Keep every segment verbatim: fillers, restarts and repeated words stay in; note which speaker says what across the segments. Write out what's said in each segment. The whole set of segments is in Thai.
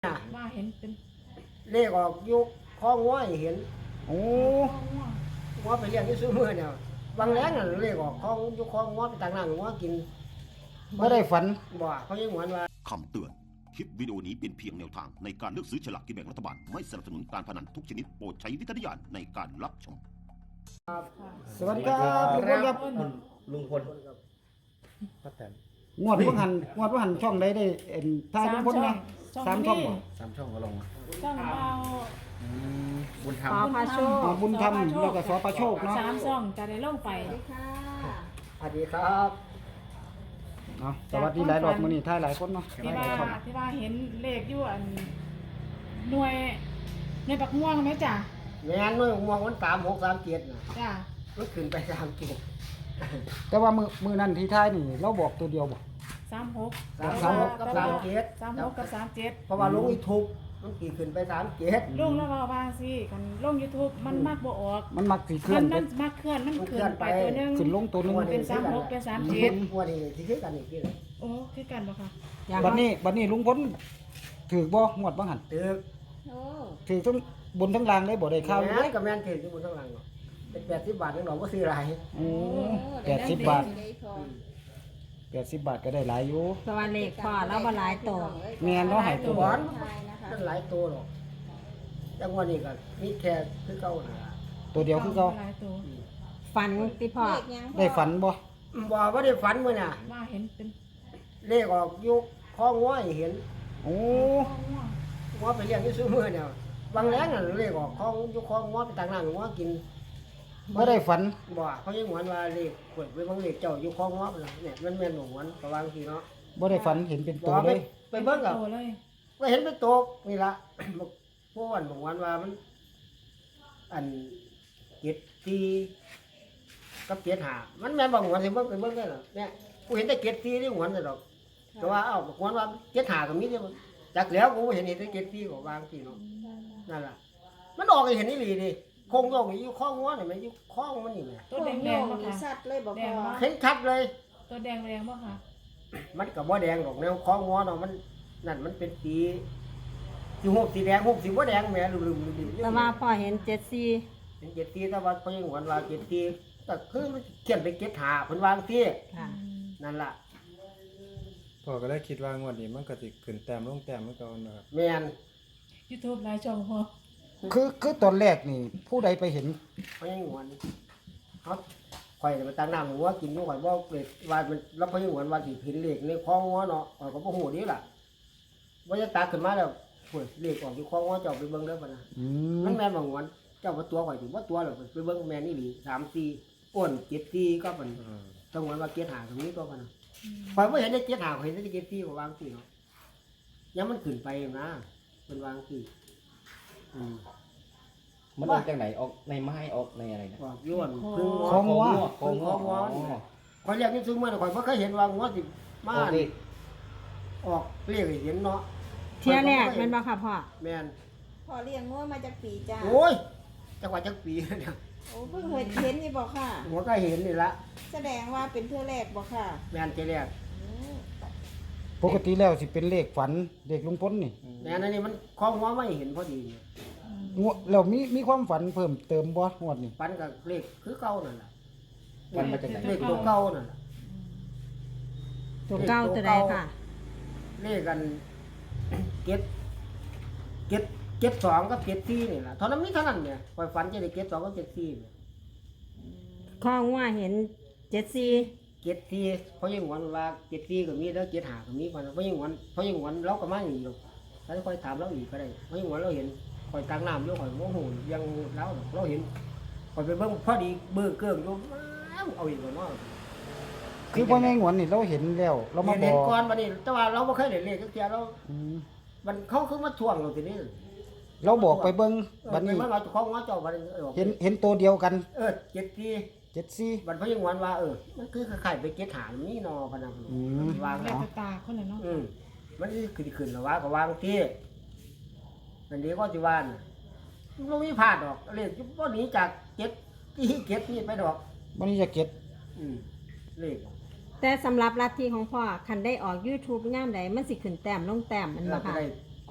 Speaker 1: ว่าเห็นเป็น
Speaker 2: เลขออกยุคข้องง้อยเห็น
Speaker 3: โอ้
Speaker 2: ง้อไปเลี้ยงที่ซื้อมือเนี่ยบางแรงน่ะเลขออกข้องยุคข้องง้อไปต่างหน้าง้อกิน
Speaker 3: ไม่ได้ฝัน
Speaker 2: บ่เขายังหวนว่า
Speaker 4: คำเตือนคลิปวิดีโอนี้เป็นเพียงแนวทางในการเลือกซื้อฉลากกินแบ่งรัฐบาลไม่สนับสนุนการพนันทุกชนิดโปรดใช้วิจารณญาณในการรับชม
Speaker 3: สวัสดีครับลุงพลครับ
Speaker 5: ลุงพลป้าแตน
Speaker 3: งวดว่าหันงวดว่าหันช่องใดได้เอ็นทายลุงพลนะสามช่องบ่
Speaker 5: สามช่องก็ลง
Speaker 1: ช่องเรา
Speaker 5: บุญธรรม
Speaker 1: พาโชค
Speaker 3: บุญธรรมแล้วก็สอพาโชคเนาะ
Speaker 1: สามช่องจะได้ลงไป
Speaker 2: สวัสดีครับ
Speaker 3: เนาะสวัสดีหลายรอบมื้อนี้ทายหลายคนเนาะ
Speaker 1: ที่ว่าที่ว่าเห็นเลขอยู่อันหน่วยหน่วยปักม่วงไหมจ้ะ
Speaker 2: แม่นหน่วยมองมันสามหกสามเจ็ดน่ะ
Speaker 1: จ้ะ
Speaker 2: มันขึ้นไปสามเจ็ด
Speaker 3: แต่ว่ามือมือนั้นที่ทายนี่เราบอกตัวเดียวบ่
Speaker 1: สามหก
Speaker 2: สามหกกับสามเจ็ด
Speaker 1: สามหกกับสามเจ็ด
Speaker 2: เพราะว่าลงยูทูบมันกี่ขึ้นไปสามเจ็ด
Speaker 1: ลงแล้วว่าว่าสิกันลง YouTube มันมักบ่ออก
Speaker 3: มันมักสิเคลื่
Speaker 1: อน
Speaker 3: มั
Speaker 1: นมักเคลื่อนมันเคลื่อนไปตัวนึง
Speaker 3: ขึ้นลงตัวนึง
Speaker 1: เป็นสามหกเป็นสามเจ็ด
Speaker 2: วันนี้สิคือกันอีกทีเลย
Speaker 1: โอ้คือกันบ่ค่ะ
Speaker 3: บัดนี้บัดนี้ลุงพลถือบ่งวดบ่หัน
Speaker 2: ถือ
Speaker 1: โอ้
Speaker 3: ถือทั้งบนทั้งล่างได้บ่ได้ข้าว
Speaker 2: เลยก็แม่นถืออยู่บนทั้งหลังเนาะเป็นแปดสิบบาทนึงดอกบ่ซื้อหลาย
Speaker 3: โอ้แปดสิบบาทแปดสิบบาทก็ได้หลายอยู่
Speaker 6: สวัสดีพ่อแล้วบ่หลายโต
Speaker 3: แม่นเนาะให้ตัว
Speaker 2: บอนมันหลายตัวหรอกจังวันนี้ก็มีแค่คือเก่าน่ะ
Speaker 3: ตัวเดียวคือเก่า
Speaker 6: ฝันติพ่อ
Speaker 3: ได้ฝันบ่
Speaker 2: บ่ว่าได้ฝันมื้อน่ะ
Speaker 1: ว่าเห็นเป็น
Speaker 2: เลขออกยุคข้องง้อยเห็น
Speaker 3: โอ้
Speaker 2: ง้อไปเลี้ยงที่ซื้อมือเนี่ยบางแรงน่ะเลขออกข้องยุคข้องง้อไปต่างหน้าง้อกิน
Speaker 3: ไม่ได้ฝัน
Speaker 2: บ่เขายังหวนว่าเลขขวดไปบางเลขเจ้าอยู่ข้องง้อเนี่ยมันแม่นหวนประวังทีเนาะ
Speaker 3: บ่ได้ฝันเห็นเป็นตัวเลย
Speaker 2: ไปเบิ่งกับก็เห็นเป็นตัวนี่ล่ะพวกวันบอกวันว่ามันอันเจ็ดตีกับเจ็ดหามันแม่นบอกวันสิเบิ่งไปเบิ่งได้หรอเนี่ยกูเห็นแต่เจ็ดตีที่หวนแต่ดอกแต่ว่าเอ้าบอกวันว่าเจ็ดหาก็มีเนี่ยจากแล้วกูเห็นเห็นแต่เจ็ดตีก็วางทีเนาะนั่นล่ะมันออกให้เห็นนี่หลีดิคงย่องอยู่ข้องง้อนี่มันอยู่ข้องมันนี่แหละ
Speaker 1: ตัวแดงแดงบ่ค่ะ
Speaker 6: ชัดเลยบ่พอ
Speaker 2: เห็นชัดเลย
Speaker 1: ตัวแดงแดงบ่ค่ะ
Speaker 2: มันก็บ่แดงดอกแนวข้องง้อเนาะมันนั่นมันเป็นสีสีหกสีแดงหกสีบ่แดงแม่ลืมๆๆ
Speaker 6: แต่ว่าพ่อเห็นเจ็ดสี่
Speaker 2: เป็นเจ็ดตีแต่ว่าเพิ่นหวนว่าเจ็ดตีก็คือมันเขียนไปเจ็ดหาเพิ่นวางที่นั่นล่ะ
Speaker 5: พ่อก็ได้คิดว่างวดนี้มันก็สิขึ้นแต้มลงแต้มเหมือนกันนะครับ
Speaker 2: แม่น
Speaker 1: YouTube หลายช่องพอ
Speaker 3: คือคือตอนแรกนี่ผู้ใดไปเห็น
Speaker 2: เพิ่นหวนเฮาข่อยไปตั้งน้ำหัวกินอยู่ข่อยบ่เกรดว่ามันแล้วเพิ่นหวนว่าสิเห็นเลขในคลองหัวเนาะข่อยก็บ่ฮู้ดีล่ะบ่จะตักขึ้นมาแล้วโอ้ยเลขออกอยู่คลองหัวเจ้าไปเบิ่งเด้อพุ่นน่ะมันแม่นบ่หวนเจ้าบ่ตัวข่อยสิบ่ตัวหรอกไปเบิ่งแม่นอีหลีสาม สี่อ้วนเจ็ด สี่ก็เพิ่นต้องหวนว่าเจ็ดหาตรงนี้ก็เพิ่นข่อยบ่เห็นได้เจ็ดหาข่อยเห็นได้เจ็ด สี่ก็วางสิเนาะยังมันขึ้นไปนะเพิ่นวางสิอืม
Speaker 5: มันออกจากไหนออกในไม้ออกในอะไรนะ
Speaker 2: ออกย้วนพึ่ง
Speaker 3: คองว่า
Speaker 2: คองว่าข่อยเรียกนี่ซื้อมาข่อยบ่เคยเห็นว่างัวสิมาออกเรียกให้เห็นเนาะ
Speaker 6: เที่ยแรกแม่นบ่ค่ะพ่อ
Speaker 2: แม่น
Speaker 6: พ่อเลี้ยงงัวมาจากปีจ้า
Speaker 2: โอ้ยจังหวัดจักปีเนี่ย
Speaker 6: โอ้เพิ่งเคยเห็นนี่บ่ค่ะ
Speaker 2: หัวก็เห็นนี่ละ
Speaker 6: แสดงว่าเป็นเทื่อแรกบ่ค่ะ
Speaker 2: แม่นเทื่อแรก
Speaker 3: ปกติแล้วสิเป็นเลขฝันเลขลุงพลนี่
Speaker 2: แม่นอันนี้มันคล้องหัวไม่เห็นพอดี
Speaker 3: งวดแล้วมีมีความฝันเพิ่มเติมบ่งวดนี้
Speaker 2: ฝันกับเลขคือเก่านั่นล่ะ
Speaker 5: มันมาจากไหน
Speaker 2: เลขตัวเก่านั่นล่ะ
Speaker 6: ตัวเก่าตัวใดค่ะ
Speaker 2: เลขกันเจ็ดเจ็ดเจ็ดสองกับเจ็ดสี่นี่ล่ะเท่านั้นมีเท่านั้นเนี่ยข่อยฝันจะได้เจ็ดสองกับเจ็ดสี่เนี่ย
Speaker 6: ข้องว่าเห็นเจ็ดสี่
Speaker 2: เจ็ดสี่เพราะยังหวนว่าเจ็ดสี่ก็มีแล้วเจ็ดห้าก็มีเพราะยังหวนเพราะยังหวนเราก็มาอย่างนี้หรอกถ้าค่อยถามเราอีกก็ได้เพราะยังหวนเราเห็นข่อยตั้งน้ำอยู่ข่อยโมโหยังแล้วเราเห็นข่อยไปเบิ่งพอดีเบิ่งเกื้องอยู่เอาอีกแล้วเนาะ
Speaker 3: คือพ่อแม่งวนนี่เราเห็นแล้วเรามาบอก
Speaker 2: เห็นก่อนบัดนี้แต่ว่าเราบ่เคยเห็นเลขจักเที่ยเรามันเขาคือมาทวงเราทีนี้
Speaker 3: เราบอกไปเบิ่งบัดนี้
Speaker 2: มันว่าเจ้าของว่าเจ้าบัดนี้
Speaker 3: เห็นเห็นตัวเดียวกัน
Speaker 2: เออเจ็ดสี่
Speaker 3: เจ็ดสี่
Speaker 2: บัดเพราะยังหวนว่าเออมันคือคล้ายๆไปเจ็ดหามีนอพะนะวาง
Speaker 1: แล้วตาคนน่ะเนาะ
Speaker 2: อืมมันคือขึ้นแล้วว่าก็วางที่อันนี้ก็สิว่าน่ะบ่มีพลาดดอกเลขบ่หนีจากเจ็ดที่เจ็ดนี่ไปดอก
Speaker 3: บ่นี้จะเก็บ
Speaker 2: อืมเลข
Speaker 6: แต่สำหรับลัทธิของพ่อคันได้ออก YouTube ยามใดมันสิขึ้นแต้มลงแต้มมันบ่ค่ะ
Speaker 2: ม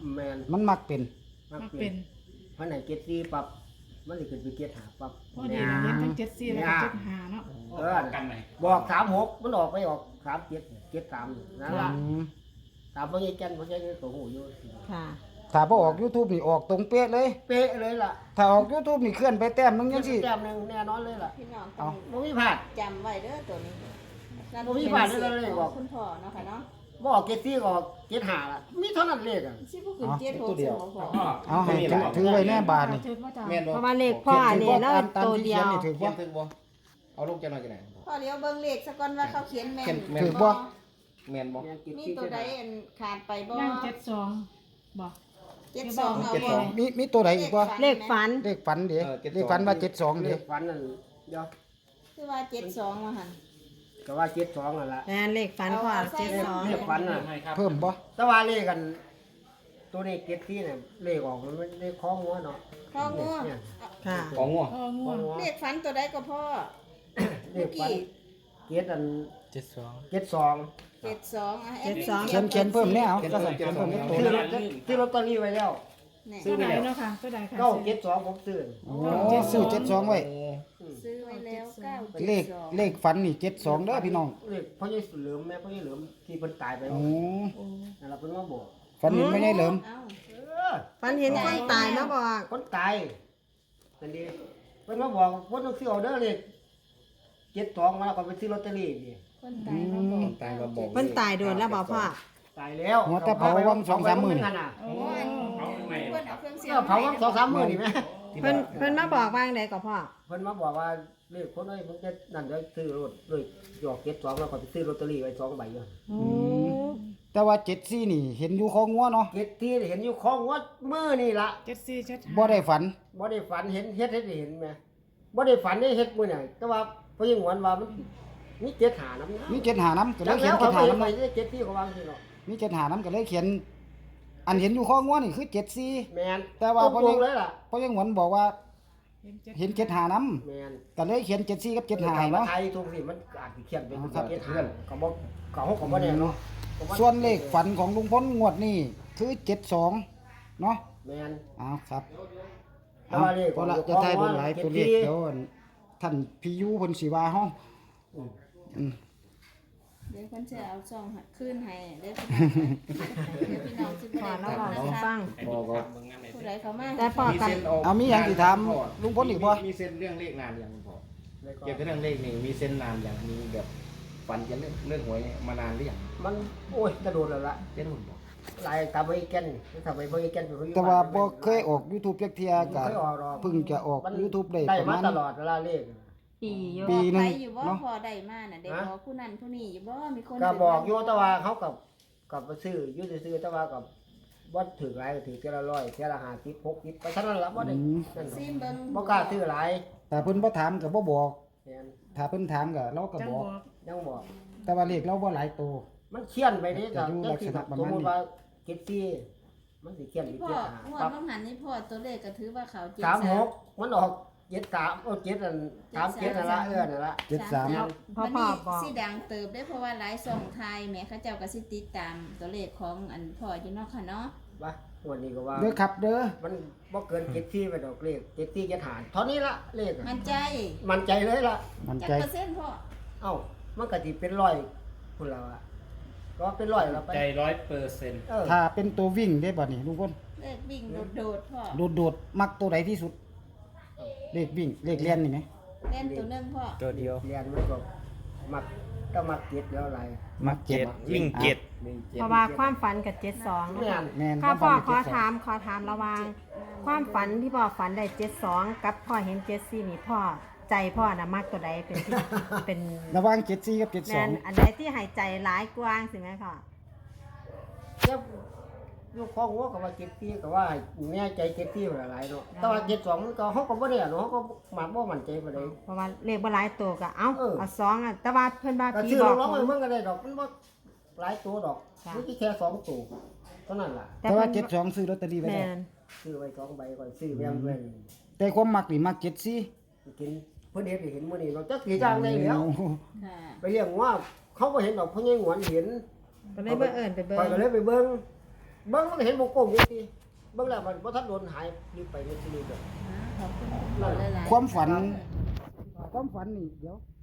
Speaker 2: แม่น
Speaker 3: มันมักเป็น
Speaker 2: มัก
Speaker 1: มัก
Speaker 2: เป็
Speaker 1: เป็น น
Speaker 2: พันไหนเจ็ดสี่ปั๊บมันสิขึ้นไปเจ็ดห้าปั๊บ
Speaker 1: พอดีนะเห็นทั้งเจ็ดสี่แล้วก็เจ็ดห้าเนาะ
Speaker 2: เออบอกสามหกมันออกไปออกสามเจ็ดเจ็ดสามนั่นล่ะ
Speaker 3: อืม
Speaker 2: ตามพ่อใหญ่แก่นพ่อใหญ่นี่ก็หูอยู่
Speaker 6: ค่ะ
Speaker 3: ถ้าบ่ออก YouTube นี่ออกตรงเป๊ะเลย
Speaker 2: เป๊ะเลยล่ะ
Speaker 3: ถ้าออก YouTube นี่เคลื่อนไปแต้มนึงจังซี่
Speaker 2: แต้มหนึงแน่นอนเลยล่ะ
Speaker 7: พี่น้อง
Speaker 3: เอา
Speaker 2: บ่มีพลาด
Speaker 7: จำไว้เด้อตัวนี้
Speaker 2: บ่มีผ่านเด้อเลยบอก
Speaker 7: คุณพ่อเนาะค่ะเนาะ
Speaker 2: บ่ออกเจ็ดสี่ก็ออกเจ็ดห้าล่ะมีเท่านั้นเลขอ่ะ
Speaker 7: สิบ่ขึ้นเจ็ดหกสิบบ่พอ
Speaker 3: เอาให้ถือถือไว้แน่บาทนี่
Speaker 1: ถือว่าจ้ะ
Speaker 8: แม่นบ่
Speaker 6: เพราะว่าเลขพ่อนี่แล้ว
Speaker 3: ตามตาม
Speaker 6: ตัว
Speaker 3: ที่
Speaker 6: เดี
Speaker 3: เขี
Speaker 6: ย
Speaker 3: ยน
Speaker 6: ว
Speaker 3: นี่ถือ
Speaker 8: เขีย
Speaker 3: บ่
Speaker 8: นถึงบ่เอาลูกจะหน่อยจังได๋
Speaker 7: พ่อเดี๋ยวเบิ่งเลขซะก่อนว่าเขาเขียนแม่น
Speaker 8: แม่น
Speaker 3: ถือบ่
Speaker 8: แม่นบ่
Speaker 2: แม่นเจ็ด
Speaker 7: มี
Speaker 2: สี่
Speaker 7: ตัวใดอันขาดไปบ่
Speaker 1: ย่างเจ็ดสองบ่
Speaker 7: เจ็ดสองเอา
Speaker 8: เจ็ด
Speaker 7: บ่
Speaker 8: สอง
Speaker 3: มีมีตัวใดอีกบ่
Speaker 6: เลขฝัน
Speaker 3: เลขฝันเด้
Speaker 8: เออเจ็ดสอง
Speaker 3: เลขฝันว่าเจ็ดสอง
Speaker 2: เล
Speaker 3: เด้
Speaker 2: ขฝันนั่นเดี๋ยว
Speaker 7: คือว่าเจ็ดสองว่าหั่น
Speaker 2: ก็ว่าเจ็ดสองนั่นล่ะ
Speaker 6: แม่นเลขฝันพ่อเจ็ดสอง
Speaker 2: เลขฝันน่ะ
Speaker 3: เพิ่มบ่
Speaker 2: แต่ว่าเลขกัน ตัวนี้เจ็ดสี่เนี่ยเลขออกมันไม่ได้คล้องหัวเนาะ
Speaker 7: พ่องัว
Speaker 2: เนี่ย
Speaker 6: ค่ะ
Speaker 8: ของงัว
Speaker 1: พ่อง่วง
Speaker 7: เลขฝันตัวใดก็พ่อ
Speaker 2: เลขฝันเจ็ดอัน
Speaker 5: เจ็ดสอง
Speaker 2: เจ็ดสอง
Speaker 7: เจ็ดสองอ่ะ
Speaker 6: เจ็ดสอง
Speaker 3: เขียนเขียนเพิ่มแน่เอาก็ใส่เขียนเพิ่มอีกตัว
Speaker 2: ซื้อ
Speaker 3: นึ
Speaker 2: ล
Speaker 3: ง
Speaker 2: อตซื้อลอตเตอรี่ไว้แล้ว
Speaker 7: นี่
Speaker 1: ตัวใดเนาะค่ะตัวใดค่ะ
Speaker 2: เก้าเจ็ดสองผมซื้อ
Speaker 3: โอ้ซื้อเจ็ดสองไว้
Speaker 7: ซื้อไว้แล้วเก้า
Speaker 3: เลขเลขฝันนี่เจ็ดสองเด้อพี่น้อง
Speaker 2: เลขพ่อใหญ่เหลิมแม่พ่อใหญ่เหลิมที่เพิ่นตายไป
Speaker 3: โอ้
Speaker 2: นั่นล่ะเพิ่นมาบอก
Speaker 3: ฝันเห็นไม่ใช่เหลิม
Speaker 7: เอ้า
Speaker 2: เออ
Speaker 6: ฝันเห็นคนตายมาบอก
Speaker 2: คนตายนั่นดีเพิ่นมาบอกคนต้องซื้อเอาเด้อเลขเจ็ดสองมาแล้วก็ไปซื้อลอตเตอรี่นี่
Speaker 7: คนตายมาบอก
Speaker 8: ตายมาบอก
Speaker 6: เพิ่นตายโดนแล้วบอกพ่อ
Speaker 2: ตายแล้ว
Speaker 3: หัวแต่เผาวังสองสามหมื่น
Speaker 2: เผาไป
Speaker 1: โอ้
Speaker 7: เพิ่นเอาเครื่องเสีย
Speaker 2: เออเผาวังสองสามหมื่นนี่แม่
Speaker 6: เพิ่นเพิ่นมาบอกว่าจั่งใดก็พ่อ
Speaker 2: เพิ่นมาบอกว่าเลขคนเอ้ยผมจะนั่นเดี๋ยวซื้อรถเลยหยอกเจ็ดสองแล้วก็ไปซื้อลอตเตอรี่ไว้สองใบอยู่
Speaker 6: โอ้
Speaker 3: แต่ว่าเจ็ดสี่นี่เห็นอยู่ของงัวเนาะ
Speaker 2: เจ็ดที่เห็นอยู่ของวัดมือนี่ล่ะ
Speaker 1: เจ็ดสี่เจ็ดห้า
Speaker 3: บ่ได้ฝัน
Speaker 2: บ่ได้ฝันเห็นเฮ็ดเฮ็ดให้เห็นไหมบ่ได้ฝันได้เฮ็ดมื้อนี่แต่ว่าเพราะยังหวนว่ามันมีเจ็ดหาน้ำนะ
Speaker 3: มีเจ็ดหาน้ำก็เล
Speaker 2: แล้
Speaker 3: ยว เขียน
Speaker 2: เขา
Speaker 3: เจ็ด
Speaker 2: ไป
Speaker 3: หาน้ำ
Speaker 2: ไป
Speaker 3: เนาะ
Speaker 2: เจ็ดที่เขาวางที่เนาะ
Speaker 3: มีเจ็ดหาน้ำก็เลยเขียน อันเห็นอยู่ของงัวนี่คือเจ็ดสี่
Speaker 2: แม่น
Speaker 3: แต่ว่า
Speaker 2: ต
Speaker 3: พอ
Speaker 2: ร
Speaker 3: ยัง
Speaker 2: งๆเลยล่ะ
Speaker 3: เพราะยังหวนบอกว่า
Speaker 1: เห็นเจ็ด
Speaker 3: เห็นเจ็ดหาน้
Speaker 2: แม่น
Speaker 3: ำก็เลยเขียนเจ็ดสี่กับเจ็ดหา
Speaker 2: ไทย
Speaker 3: เนาะ
Speaker 2: ไทยทุกสิมันอาจสิเขียนเป็น
Speaker 3: อ๋อครับ
Speaker 2: เจ็ดหาก็บ่ก็เฮาก็บ่แน่เนาะก็บ่
Speaker 3: ส่วนเลขฝันของลุงพลงวดนี่คือเจ็ดสองเนาะ
Speaker 2: แม่น
Speaker 3: เอาครับ
Speaker 2: แต่
Speaker 3: เอา
Speaker 2: ว่าเลข
Speaker 3: พอละ
Speaker 2: ของ
Speaker 3: จะทายบนหลาย
Speaker 2: เจ็ด
Speaker 3: ตัวเลข
Speaker 2: สี่
Speaker 3: เดี๋ยวท่านพี่ยูเพิ่นสิว่าเฮาอืม
Speaker 7: เดี๋ยวคนจะเอาซองหัดขึ้นให้เด้อเดี๋ยวพี่น้องสิ
Speaker 6: พ่อ
Speaker 7: บ่
Speaker 6: แล้ว
Speaker 7: ได้
Speaker 6: บอก
Speaker 7: นะ
Speaker 6: ให้
Speaker 7: คะ
Speaker 6: ฟัง
Speaker 8: บอกก็
Speaker 7: ผู้ใดเข้ามา
Speaker 6: แต่พ่อกัน
Speaker 3: เอามีหยังสิถามลุงพลอีกบ่
Speaker 8: มีเส้นเรื่องเลขนานอย่างคุณพ่อ
Speaker 2: แล้วก็
Speaker 8: เกี่ยวกับเรื่องเลขนี่มีเส้นนานอย่างมีแบบฝันเกี่ยวกับเรื่องเรื่องหวยมานานหรือยัง
Speaker 2: มันโอ้ยกระโดดแล้วล่ะ
Speaker 8: เจ้าหนุ่มบอก
Speaker 2: หลายตามไปแก่นถ้าไปบ่แก่นเป็นคนอยู่
Speaker 3: แต่ว่า
Speaker 2: บ้น
Speaker 3: บ่เคยออก YouTube จักเที่ยก็
Speaker 2: บ่เคยออกหรอก
Speaker 3: เพิ่งจะออก
Speaker 2: มัน
Speaker 3: YouTube ได้
Speaker 2: ได้
Speaker 3: ประ
Speaker 2: มา
Speaker 3: มาณ
Speaker 2: ตลอดเวลาเลข
Speaker 6: ปีอยู่
Speaker 3: ปี หนึ่ง
Speaker 7: ไปอยู่บ่
Speaker 3: เนาะ
Speaker 7: พอได้มาน่ะได้บอกผู้นั้นผู้นี้อยู่บ่มีคน
Speaker 2: ก็
Speaker 7: ถื
Speaker 2: บอกอยู่แต่ว่าเขากับกับไปซื้ออยู่ซื้อๆแต่ว่ากับบ่ถือหลายก็ถือเท่าละร้อยเท่าละห้าสิบหกสิบไปเท่านั้นล่ะบ่ได้
Speaker 3: อืม
Speaker 2: นั่น
Speaker 7: ซิมเบิ่ง
Speaker 2: บ่กล้าซื้อหลาย
Speaker 3: แต่เพิ่นบ่ถามก็บ่บอก
Speaker 2: แม่น
Speaker 3: ถ้าเพิ่นถามก็เราก็
Speaker 1: จัง
Speaker 3: บบ อ
Speaker 1: อก ก
Speaker 2: ยังบอก
Speaker 3: แต่ว่าเลขเราบ่หลายตัว
Speaker 2: มันเขียนไปนี่ก็
Speaker 3: จะอยู่
Speaker 2: จังซี่
Speaker 3: ลักษณะประ
Speaker 2: ส
Speaker 3: มาณ
Speaker 2: ม
Speaker 3: นี้
Speaker 2: มุติว่าเจ็ดสี่มันสิเขียนอีก
Speaker 7: พ่อ
Speaker 2: เจ็ดห้าง
Speaker 7: วด
Speaker 2: ปั๊บ
Speaker 7: ต้องหันนี่พ่อตัวเลขก็ถือว่าเขาเจ็ด
Speaker 2: สามหกมันออกเจ็ดสามโอ้เจ็ดอันสามเจ็ดนั่นละเออนั่นละ
Speaker 3: เจ็ดสาม
Speaker 6: พ่อ
Speaker 7: มัน
Speaker 6: พ่อ
Speaker 7: นี่
Speaker 6: บอก
Speaker 7: สิดังเติบได้เพราะว่าหลายช่องไทยแหม่เขาเจ้าก็สิติดตามตัวเลขของอันพ่ออยู่เนาะค่ะเนาะ
Speaker 2: ว่าวันนี้ก็ว่า
Speaker 3: เด้อครับเด้อ
Speaker 2: มันบ่เกินเจ็ดสี่ไปดอกเลขเจ็ดสี่เจ็ดหารเท่านี้ละเลขอะ
Speaker 7: มันใจ
Speaker 2: มันใจเลยล่ะ
Speaker 3: มัน
Speaker 7: จัก
Speaker 3: ใจ
Speaker 7: เปอร์เซ็นต์พ่อ
Speaker 2: เอ้ามันก็สิเป็นร้อยพุ่นแล้วอะก็เป็นร้อยแล้วไป
Speaker 5: ใจร้อยเปอร์เซ็นต์
Speaker 2: เออ
Speaker 3: ถ้าเป็นตัววิ่งได้บ่นี่ลุงพล
Speaker 7: เลขวิ่งโดดๆพ่อ
Speaker 3: โดดๆมักตัวใดที่สุด เลขวิ่งเลขเลียนนี่ไหม
Speaker 7: เล่นตัวหนึงพ่อ
Speaker 5: ตัวเดียว
Speaker 2: เรียนมันก็มักก็มักเจ็ดแล้วอะไร
Speaker 3: มักเจ็ด
Speaker 5: วิ่งเจ็ด
Speaker 8: หนึ่งเจ็ด
Speaker 6: เพราะว่าความฝันกับเจ็ดสอง
Speaker 2: แม่น
Speaker 3: แม่น
Speaker 6: ข้าพ่อ
Speaker 3: ความ
Speaker 6: ข
Speaker 3: ฝั
Speaker 6: อน
Speaker 3: เจ็ดสอง
Speaker 6: ถามขอถามระหวาง ความฝันที่พ่อฝันได้เจ็ดสองกับพ่อเห็นเจ็ดสี่นี่พ่อใจพ่อน่ะมากตัวใดเป็นที่ เป็น
Speaker 3: ระหว่างเจ็ดสี่กับเจ็ด
Speaker 6: แม
Speaker 3: สอง
Speaker 6: นอันใดที่หายใจร้ายกว้างสิไหมพ่อ
Speaker 2: เจ้าลูกพ่อหัวก็ว่าเจ็ดสี่ก็ว่าแม่ใจเจ็ดสี่หลายๆเนาะแต่ว่าเจ็ดสองมันก็เขาก็บ่ได้อะเนาะเขาก็มักบ่มั่นใจปานใด
Speaker 6: เพราะว่าเลขบ่หลายตัวก็เอ้า
Speaker 2: เออ
Speaker 6: เอาสองอ่ะแต่ว่าเพิ่นว่า
Speaker 2: ก็
Speaker 6: ผี
Speaker 2: ซื้อ
Speaker 6: บอก
Speaker 2: ร้องๆมันก็ได้ดอกมันบ่หลายตัวดอก
Speaker 6: ค่ะ
Speaker 2: มันแค่สองตัวเท่านั้นล่ะ
Speaker 3: แต่ว่าเจ็ดสองซื้อลอตเตอรี่ไว้
Speaker 6: แม
Speaker 3: แล้ว
Speaker 6: น
Speaker 2: ซื้อไว้สองใบก่อนซื้อแบงค์ไว้
Speaker 3: แต่ความมักนี่มักเจ็ดสี่
Speaker 2: กินเพิ่นเฮ็ดให้เห็นมื้อนี้เนาะจักสิจ้างได้แล้ว
Speaker 3: โอ้โห
Speaker 7: ค่ะ
Speaker 2: ไปเลี้ยงว่าเขาบ่เห็นดอกเพิ่นยังหวนเห็น
Speaker 6: ก็เลยบ่เอิ้นไปเบิ่
Speaker 2: ข้อย
Speaker 6: ง
Speaker 2: ก็เลยไปเบิ่งเบิ่งมันก็เห็นวงกลมอยู่ติเบิ่งแล้วมันบ่ทันโดนหายรีบไปนี่สิรีบเลย
Speaker 7: ขอบคุณพ่อหลายๆ
Speaker 3: ความฝัน ความฝันนี่เดี๋ยว